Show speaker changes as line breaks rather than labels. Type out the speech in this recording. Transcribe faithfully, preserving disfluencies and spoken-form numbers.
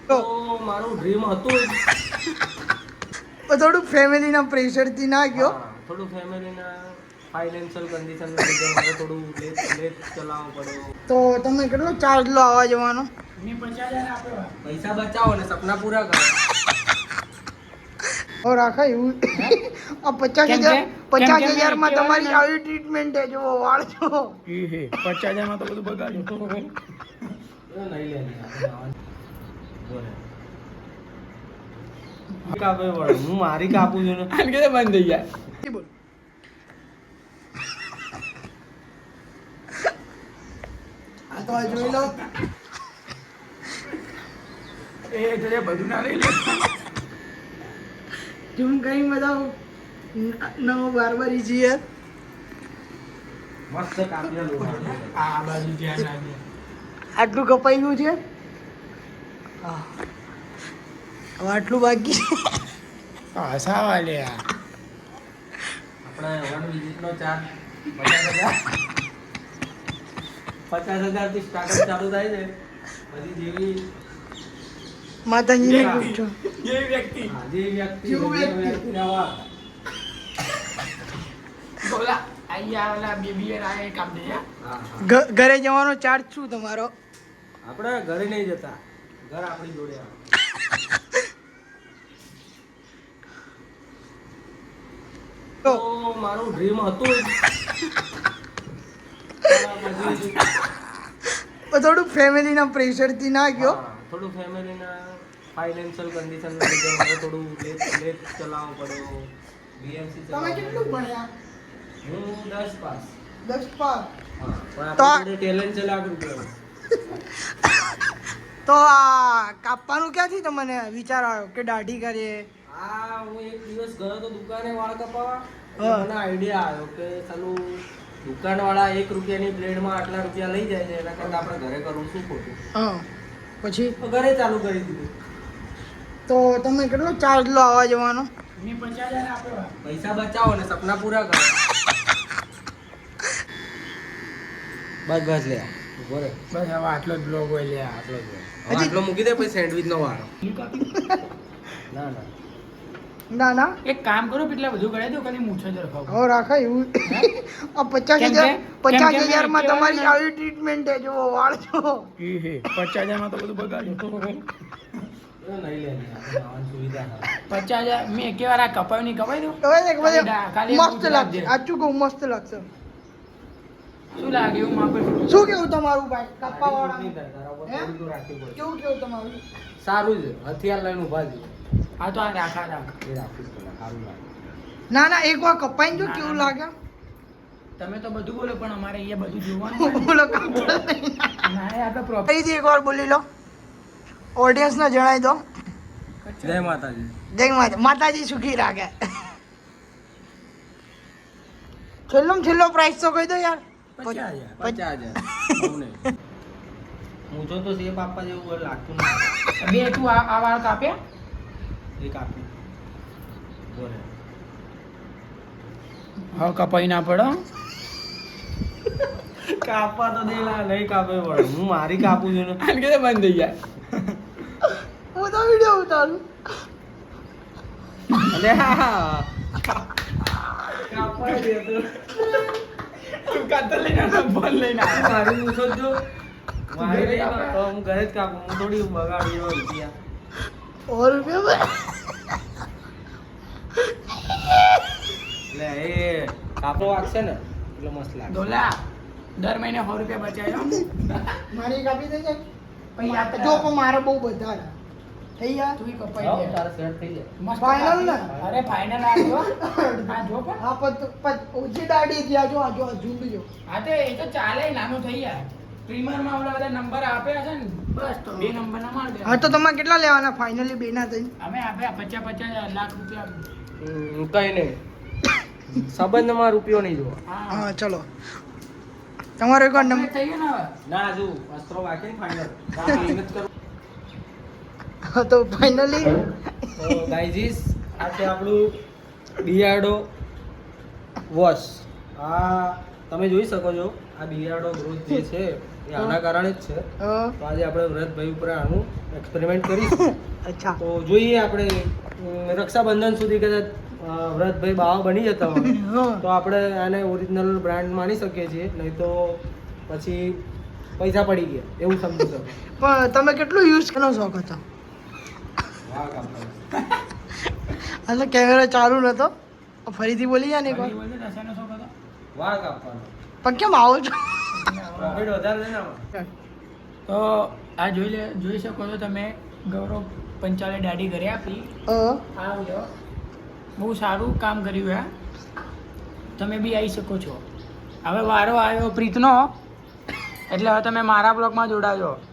તો મારું ડ્રીમ હતું
તો થોડું ફેમિલીના પ્રેશરથી ના ગયો.
થોડું ફેમિલીના ફાઇનાન્શિયલ કન્ડિશન લીધે મારે થોડું લેટ લેટ ચલાવવું પડ્યું.
તો તમે કેટલો ચાર્જ લો આવવા જવાનો?
મેં પચાસ હજાર આપ્યો.
પૈસા બચાવો ને સપના પૂરા કરો.
ઓ રાખા એવું આ પચાસ
કેમ
હજાર
કે?
પચાસ
કેમ કે
હજારમાં
મેં
તમારી
કહેવાય
આવી ટ્રીટમેન્ટ છે જો વાળ છો.
એ હે પચાસ હજારમાં તો બધું બગાડ્યું.
એ નહીં લેની આપણે આવવાનું. બોલે કાપે વળે હું મારી કાપું છું ને
આને કીધે બંધ થઈ જાય.
બોલ. આ તો આ જોઈ લો.
એ એટલે બધું ના લઈ લે.
ઝૂમ કઈ બધા નવો બારબારી છીએ.
મસ્ત કાપ્યા લો.
આ બાજુ ધ્યાન રાખજે.
આટલું કપાઈ ગયું છે. હા હવે આટલું બાકી છે.
હા સાવા લે આ.
આપણે વન વિઝિટનો ચાર્જ પચાસ હજાર પચાસ હજારથી સ્ટાર્ટઅપ ચાલુ થાય છે. પછી જેવી
માતાજીને પૂછો.
જે વ્યક્તિ
હા, જે વ્યક્તિ
જેવું
જે
વ્યક્તિ.
વ્યક્તિના વાત.
બોલા અહીંયા ઓલા બેબી આ એ કામ દે યા.
હા, હા.
ઘ- ઘરે જવાનો ચાર્જ શું તમારો?
આપણે ઘરે નહીં જતા, ઘર આપણી જોડે આવે.
તો
તો મારું ડ્રીમ હતું પણ પછી
તો થોડું ફેમિલીના પ્રેશરથી ના ગયો.
હા, થોડું ફેમિલીના ફાઇનાન્શિયલ કન્ડિશન લીધે મારે થોડું લેટ લેટ ચલાવવું પડ્યું. બીએમસી
તમે કેટલું ભણ્યા?
હું દસ પાસ.
દસ પાસ.
હા, પણ
તો આ-
આપણી જોડે ટેલેન્ટ છે લાખ રૂપિયાનું.
તો આ કાપવાનું ક્યાંથી તમને વિચાર આવ્યો કે દાઢી કરીએ?
આ હું એક દિવસ ગયો તો દુકાને વાળ કપાવવા. એટલે
હા.
મને આઈડિયા આવ્યો કે ચાલું દુકાનવાળા એક રૂપિયાની બ્લેડમાં આટલા રૂપિયા લઈ જાય છે, એના કરતાં આપણે ઘરે કરવું શું ખોટું.
હા પછી
તો ઘરે ચાલુ કરી દીધું.
તો તમે કેટલો ચાર્જ લો આવવા જવાનો?
મેં પચાસ હજાર આપ્યો.
પૈસા બચાવો ને સપના પૂરા કરો. બસ બસ લે ઉભો રે.
બસ હવે આટલો જ બ્લોગ હોય લે આ.
આટલો જ હોય. હવે
હજી-
આટલો મૂકી દે પછી સેન્ડવિચ નો વારો. ના ના
ના ના
એક કામ કરો કેટલા બધું કરાવી દો ખાલી મૂછો જ રખાવ.
હવે રાખા એવું આ પચાસ
કેમ
હજાર
કે?
પચાસ
કેમ કે
હજારમાં
મેં
તમારી
કહેવાય
આવી ટ્રીટમેન્ટ છે જો વાળ છો.
એ હે પચાસ હજારમાં તો બધું બગાડ્યું.
એ નહીં લેની આપણે આવવાની સુવિધા છે.
પચાસ હજાર મેં એકે વાર આ કપાયું નહીં કપાઈ દઉં.
હવે એક બધે
ખાલી ખાલી
મસ્ત
પૂછ
લાગશે.
રાખજે.
આચું કહું મસ્ત લાગશે.
શું લાગે એવું માપે
શું કેવું તમારું ભાઈ કાપવા
આટલી નહીં
વાળા?
થાય, તારા ઉપર
હે?
થોડું તો રાખવું પડે.
કેવું કેવું તમારું?
સારું છે, હથિયાર લઈને ઊભા છે.
હા તો આ રાખા રાખ.
એ રાખવું જ પડે, સારું લાગે.
ના ના એક વાર કપાઈને જો
ના,
કેવું
ના.
લાગે.
તમે તો બધું બોલો પણ અમારે અહીંયા બધું જોવાનું હોય.
બોલો કાપતા નહીં.
ના એ આપણે પ્રોપર
ફરીથી એક વાર બોલી લો. ઓડિયન્સને જણાવી દો.
જય માતાજી.
જય માતા માતાજી સુખી રાખે. છેલ્લો છેલ્લો પ્રાઇસ તો કહી દો યાર.
પચાસ હજાર.
પચાસ હજાર. બહુ નહીં. મૂંઝો તો સેબ આપવા જેવું કોઈ લાગતું નથી.
બે તું આ આ વાળ કાપ્યા.
એક આપી. બોલે
હવે કપાઈ ના પડો.
કાપવા તો દે લા, નહીં કાપે પડે. હું મારી કાપું છું ને.
આને કીધે બંધ થઈ જાય.
હું તો વિડીયો ઉતારું.
અલે હા. કાપવા દે તો.
તું કાતર લઈને આવ, બોલ લઈને આવ.
મારી મૂછો જ જો. મારી નહીં કાપતો, હું ઘરે જ કાપું. હું થોડી બગાડી એવા રૂપિયા.
સો રૂપિયા
એટલે એ કાપો વાગશે ને એટલે મસ્ત લાગે.
ડોલા દર મહિને સો રૂપિયા બચાવ્યો.
મારી કાપી થઈ જાય.
પછી આ
જો પણ મારે બહુ બધા છે. થઈ જાય.
તું કપાઈ
જાઓ,
દે.
તારે સેટ થઈ જાય.
મસ્ત
Final ને?
અરે ફાઇનલ આ જો. આ જો પણ.
હા પણ પણ ઓછી દાઢી થયા જો આ જો આ ઝૂંડ જો.
હા તો એ તો ચાલે નાનું થઈ જાય. પ્રીમિયરમાં ઓલા બધા નંબર આપ્યા છે ને બસ તો બે નંબર ના માર દે.
હા તો તમારે કેટલા લેવાના ફાઇનલી બે ના થઈ?
અમે આપ્યા પચાસ પચાસ લાખ રૂપિયા.
હમ, કઈ નહીં. સંબંધમાં રૂપિયો નહીં જોવો.
હા
હા ચલો તમારો એક વાર
નંબર
નંબર.
થઈ ગયો ને હવે.
ના જો વસ્ત્રો બાકી ફાઇનલ. મહેનત કરો.
હા તો ફાઇનલી
તો ગાઈઝીસ આ છે આપણું બિયાર્ડો વોશ. આ તમે જોઈ શકો છો આ બિયાર્ડો ગ્રોથ જે છે એ આના કારણે જ છે.
હા.
તો આજે આપણે વ્રતભાઈ ઉપર આનું એક્સપેરિમેન્ટ કરીશું.
અચ્છા.
તો જોઈએ આપણે અમ, રક્ષાબંધન સુધી કદાચ અ, વ્રતભાઈ બાવા બની જતા હોય
હા.
તો આપણે આને ઓરિજિનલ બ્રાન્ડ માની શકીએ છીએ, નહીં તો પછી પૈસા પડી ગયા એવું સમજી શકો.
પણ તમે કેટલું યુઝ કરવાનો શોખ હતો?
વાહ કાપડ.
એટલે કેમેરા ચાલુ નતો. ફરીથી બોલી જાય ને એક વાર.
ફરી બોલજો, દશાનો શોખ હતો?
વાળ કાપવાનો.
પણ કેમ આવો છો?
પ્રોફિટ વધારે છે ને આમાં.
તો આ જોઈ લે જોઈ શકો છો તમે, ગૌરવ પંચાલે દાઢી કરી આપી.
હા.
આ જો બહુ સારું કામ કર્યું આ. તમે બી આવી શકો છો. હવે વારો આવ્યો પ્રીતનો, એટલે હવે તમે મારા બ્લોગમાં જોડાજો.